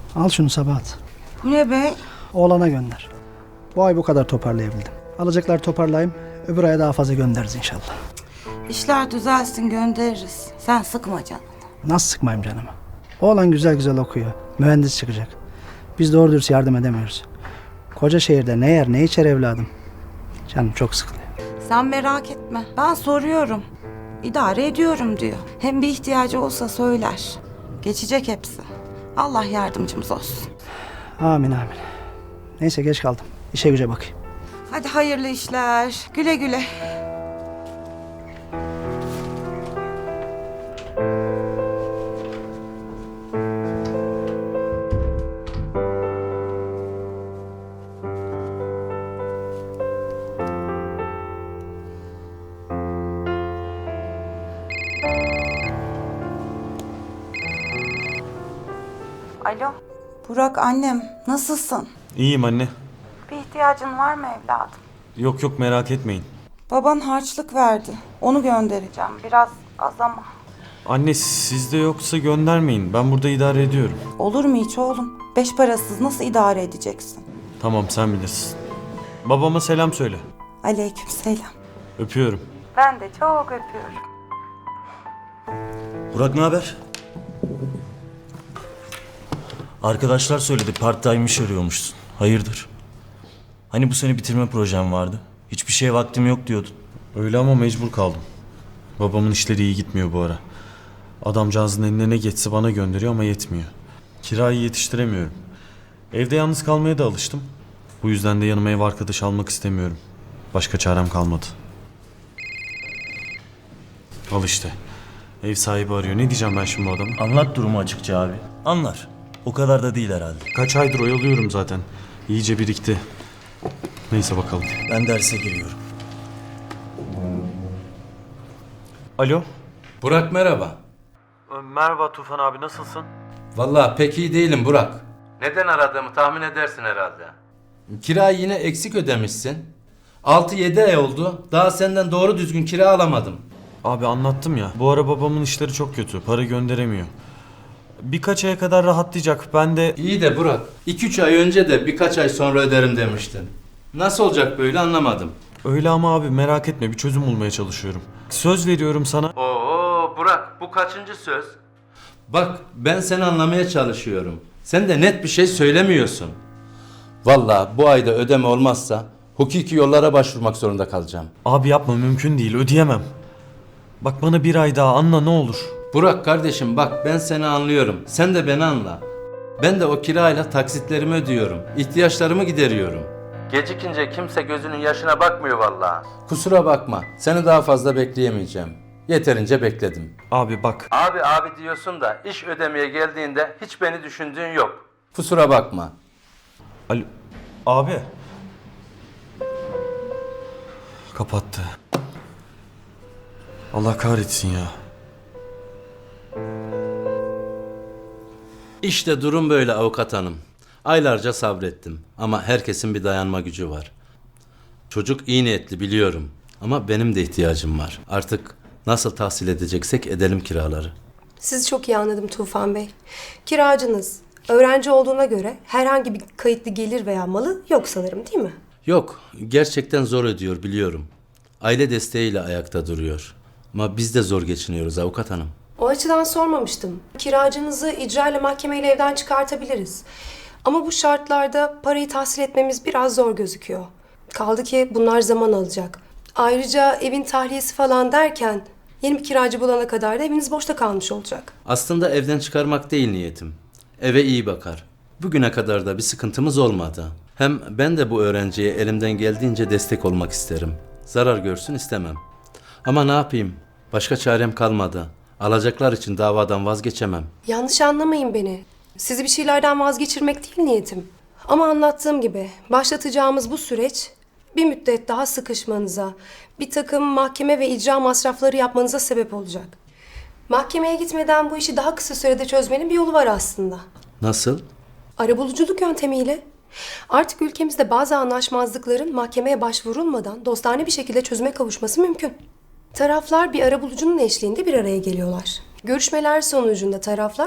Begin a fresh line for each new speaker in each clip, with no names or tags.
Al şunu Sabahat.
Bu ne be?
Oğlana gönder. Bu ay bu kadar toparlayabildim. Alacaklar toparlayayım. Öbür aya daha fazla göndeririz inşallah.
İşler düzelsin göndeririz. Sen sıkma canını.
Nasıl sıkmayayım canımı? Oğlan güzel güzel okuyor. Mühendis çıkacak. Biz doğru dürüst yardım edemiyoruz. Koca şehirde ne yer ne içer evladım. Canım çok sıkılıyor.
Sen merak etme. Ben soruyorum. İdare ediyorum diyor. Hem bir ihtiyacı olsa söyler. Geçecek hepsi. Allah yardımcımız olsun.
Amin amin. Neyse geç kaldım. İşe güce bakayım.
Hadi hayırlı işler. Güle güle. Alo. Burak annem, nasılsın?
İyiyim anne.
Bir ihtiyacın var mı evladım?
Yok yok merak etmeyin.
Baban harçlık verdi. Onu göndereceğim. Biraz az ama.
Anne sizde yoksa göndermeyin. Ben burada idare ediyorum.
Olur mu hiç oğlum? 5 parasız nasıl idare edeceksin?
Tamam sen bilirsin. Babama selam söyle.
Aleykümselam.
Öpüyorum.
Ben de çok öpüyorum.
Burak ne haber? Arkadaşlar söyledi part-time iş arıyormuşsun. Hayırdır? Hani bu sene bitirme projem vardı. Hiçbir şeye vaktim yok diyordun.
Öyle ama mecbur kaldım. Babamın işleri iyi gitmiyor bu ara. Adamcağızın eline ne geçse bana gönderiyor ama yetmiyor. Kirayı yetiştiremiyorum. Evde yalnız kalmaya da alıştım. Bu yüzden de yanıma ev arkadaş almak istemiyorum. Başka çarem kalmadı. Al işte. Ev sahibi arıyor. Ne diyeceğim ben şimdi bu adama?
Anlat durumu açıkça abi. Anlar. O kadar da değil herhalde.
Kaç aydır oyalıyorum zaten. İyice birikti. Neyse bakalım.
Ben derse giriyorum.
Alo.
Burak merhaba.
Merhaba Tufan abi nasılsın?
Vallahi pek iyi değilim Burak. Neden aradığımı tahmin edersin herhalde. Kirayı yine eksik ödemişsin. 6-7 ay oldu. Daha senden doğru düzgün kira alamadım.
Abi anlattım ya. Bu ara babamın işleri çok kötü. Para gönderemiyor. Birkaç aya kadar rahatlayacak. Ben de...
İyi de Burak, 2-3 ay önce de birkaç ay sonra öderim demiştin. Nasıl olacak böyle anlamadım.
Öyle ama abi merak etme bir çözüm bulmaya çalışıyorum. Söz veriyorum sana.
Oo Burak, bu kaçıncı söz? Bak ben seni anlamaya çalışıyorum. Sen de net bir şey söylemiyorsun. Vallahi bu ayda ödeme olmazsa hukuki yollara başvurmak zorunda kalacağım.
Abi yapma mümkün değil ödeyemem. Bak bana bir ay daha anla ne olur.
Burak kardeşim bak ben seni anlıyorum. Sen de beni anla. Ben de o kirayla taksitlerimi ödüyorum. İhtiyaçlarımı gideriyorum. Gecikince kimse gözünün yaşına bakmıyor vallahi. Kusura bakma. Seni daha fazla bekleyemeyeceğim. Yeterince bekledim.
Abi bak.
Abi diyorsun da iş ödemeye geldiğinde hiç beni düşündüğün yok. Kusura bakma.
Alo. Abi. Kapattı. Allah kahretsin ya.
İşte durum böyle avukat hanım. Aylarca sabrettim ama herkesin bir dayanma gücü var. Çocuk iyi niyetli biliyorum ama benim de ihtiyacım var. Artık nasıl tahsil edeceksek edelim kiraları.
Sizi çok iyi anladım Tufan Bey. Kiracınız, öğrenci olduğuna göre herhangi bir kayıtlı gelir veya malı yok sanırım değil mi?
Yok, gerçekten zor ödüyor biliyorum. Aile desteğiyle ayakta duruyor. Ama biz de zor geçiniyoruz avukat hanım.
O açıdan sormamıştım. Kiracınızı icra ile mahkemeyle evden çıkartabiliriz. Ama bu şartlarda parayı tahsil etmemiz biraz zor gözüküyor. Kaldı ki bunlar zaman alacak. Ayrıca evin tahliyesi falan derken yeni bir kiracı bulana kadar da eviniz boşta kalmış olacak.
Aslında evden çıkarmak değil niyetim. Eve iyi bakar. Bugüne kadar da bir sıkıntımız olmadı. Hem ben de bu öğrenciye elimden geldiğince destek olmak isterim. Zarar görsün istemem. Ama ne yapayım? Başka çarem kalmadı. Alacaklar için davadan vazgeçemem.
Yanlış anlamayın beni. Sizi bir şeylerden vazgeçirmek değil niyetim. Ama anlattığım gibi başlatacağımız bu süreç bir müddet daha sıkışmanıza, bir takım mahkeme ve icra masrafları yapmanıza sebep olacak. Mahkemeye gitmeden bu işi daha kısa sürede çözmenin bir yolu var aslında.
Nasıl?
Arabuluculuk yöntemiyle. Artık ülkemizde bazı anlaşmazlıkların mahkemeye başvurulmadan dostane bir şekilde çözüme kavuşması mümkün. Taraflar bir arabulucunun eşliğinde bir araya geliyorlar. Görüşmeler sonucunda taraflar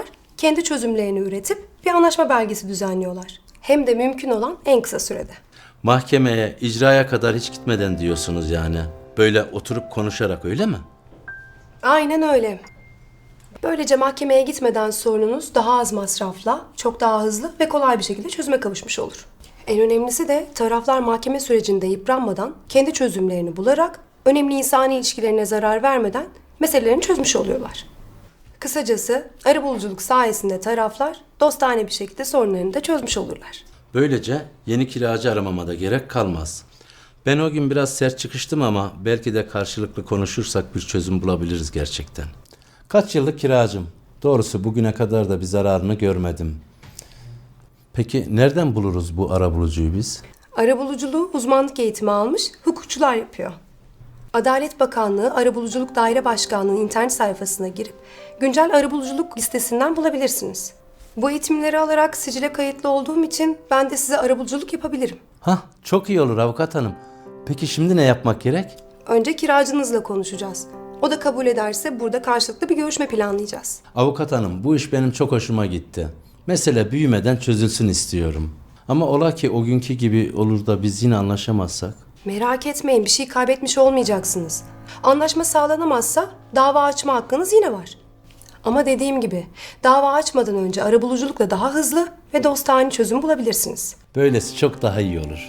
kendi çözümlerini üretip bir anlaşma belgesi düzenliyorlar. Hem de mümkün olan en kısa sürede.
Mahkemeye, icraya kadar hiç gitmeden diyorsunuz yani. Böyle oturup konuşarak, öyle mi?
Aynen öyle. Böylece mahkemeye gitmeden sorununuz daha az masrafla, çok daha hızlı ve kolay bir şekilde çözüme kavuşmuş olur. En önemlisi de taraflar mahkeme sürecinde yıpranmadan kendi çözümlerini bularak önemli insani ilişkilerine zarar vermeden meselelerini çözmüş oluyorlar. Kısacası arabuluculuk sayesinde taraflar dostane bir şekilde sorunlarını da çözmüş olurlar.
Böylece yeni kiracı aramama da gerek kalmaz. Ben o gün biraz sert çıkıştım ama belki de karşılıklı konuşursak bir çözüm bulabiliriz gerçekten. Kaç yıllık kiracım. Doğrusu bugüne kadar da bir zararını görmedim. Peki nereden buluruz bu arabulucuyu biz?
Arabuluculuğu uzmanlık eğitimi almış hukukçular yapıyor. Adalet Bakanlığı Arabuluculuk Daire Başkanlığı'nın internet sayfasına girip güncel arabuluculuk listesinden bulabilirsiniz. Bu eğitimleri alarak sicile kayıtlı olduğum için ben de size arabuluculuk yapabilirim.
Hah, çok iyi olur avukat hanım. Peki şimdi ne yapmak gerek?
Önce kiracınızla konuşacağız. O da kabul ederse burada karşılıklı bir görüşme planlayacağız.
Avukat hanım, bu iş benim çok hoşuma gitti. Mesele büyümeden çözülsün istiyorum. Ama ola ki o günkü gibi olur da biz yine anlaşamazsak?
Merak etmeyin, bir şey kaybetmiş olmayacaksınız. Anlaşma sağlanamazsa dava açma hakkınız yine var. Ama dediğim gibi dava açmadan önce arabuluculukla daha hızlı ve dostane çözüm bulabilirsiniz.
Böylesi çok daha iyi olur.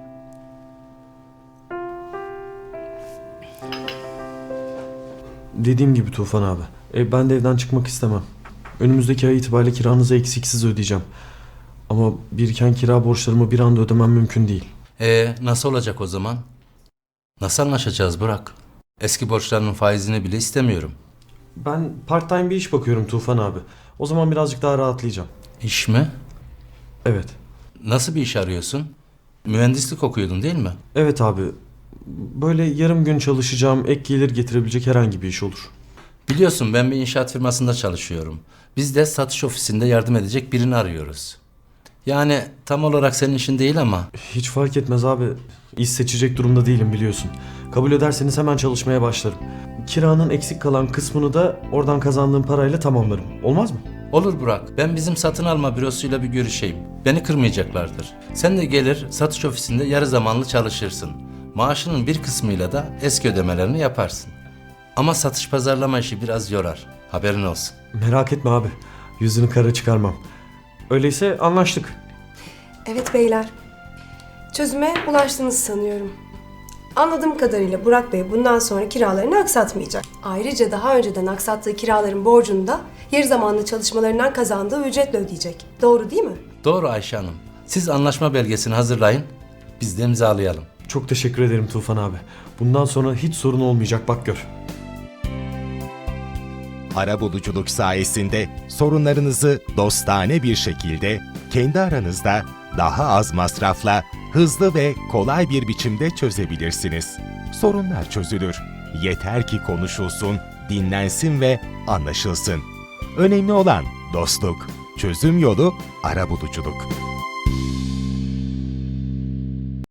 Dediğim gibi Tufan abi. Ben de evden çıkmak istemem. Önümüzdeki ay itibariyle kiranızı eksiksiz ödeyeceğim. Ama biriken kira borçlarımı bir anda ödemem mümkün değil.
Nasıl olacak o zaman? Nasıl anlaşacağız Burak? Eski borçlarının faizini bile istemiyorum.
Ben part time bir iş bakıyorum Tufan abi. O zaman birazcık daha rahatlayacağım.
İş mi?
Evet.
Nasıl bir iş arıyorsun? Mühendislik okuyordun değil mi?
Evet abi. Böyle yarım gün çalışacağım, ek gelir getirebilecek herhangi bir iş olur.
Biliyorsun ben bir inşaat firmasında çalışıyorum. Biz de satış ofisinde yardım edecek birini arıyoruz. Yani tam olarak senin işin değil ama...
Hiç fark etmez abi. İş seçecek durumda değilim biliyorsun. Kabul ederseniz hemen çalışmaya başlarım. Kiranın eksik kalan kısmını da oradan kazandığım parayla tamamlarım. Olmaz mı?
Olur Burak, ben bizim satın alma bürosuyla bir görüşeyim. Beni kırmayacaklardır. Sen de gelir satış ofisinde yarı zamanlı çalışırsın. Maaşının bir kısmıyla da eski ödemelerini yaparsın. Ama satış pazarlama işi biraz yorar. Haberin olsun.
Merak etme abi. Yüzünü kara çıkarmam. Öyleyse anlaştık.
Evet beyler, çözüme ulaştınız sanıyorum. Anladığım kadarıyla Burak Bey bundan sonra kiralarını aksatmayacak. Ayrıca daha önceden aksattığı kiraların borcunu da yarı zamanlı çalışmalarından kazandığı ücretle ödeyecek. Doğru değil mi?
Doğru Ayşe Hanım. Siz anlaşma belgesini hazırlayın. Biz de imzalayalım.
Çok teşekkür ederim Tufan abi. Bundan sonra hiç sorun olmayacak, bak gör.
Arabuluculuk sayesinde sorunlarınızı dostane bir şekilde kendi aranızda daha az masrafla hızlı ve kolay bir biçimde çözebilirsiniz. Sorunlar çözülür. Yeter ki konuşulsun, dinlensin ve anlaşılsın. Önemli olan dostluk. Çözüm yolu arabuluculuk.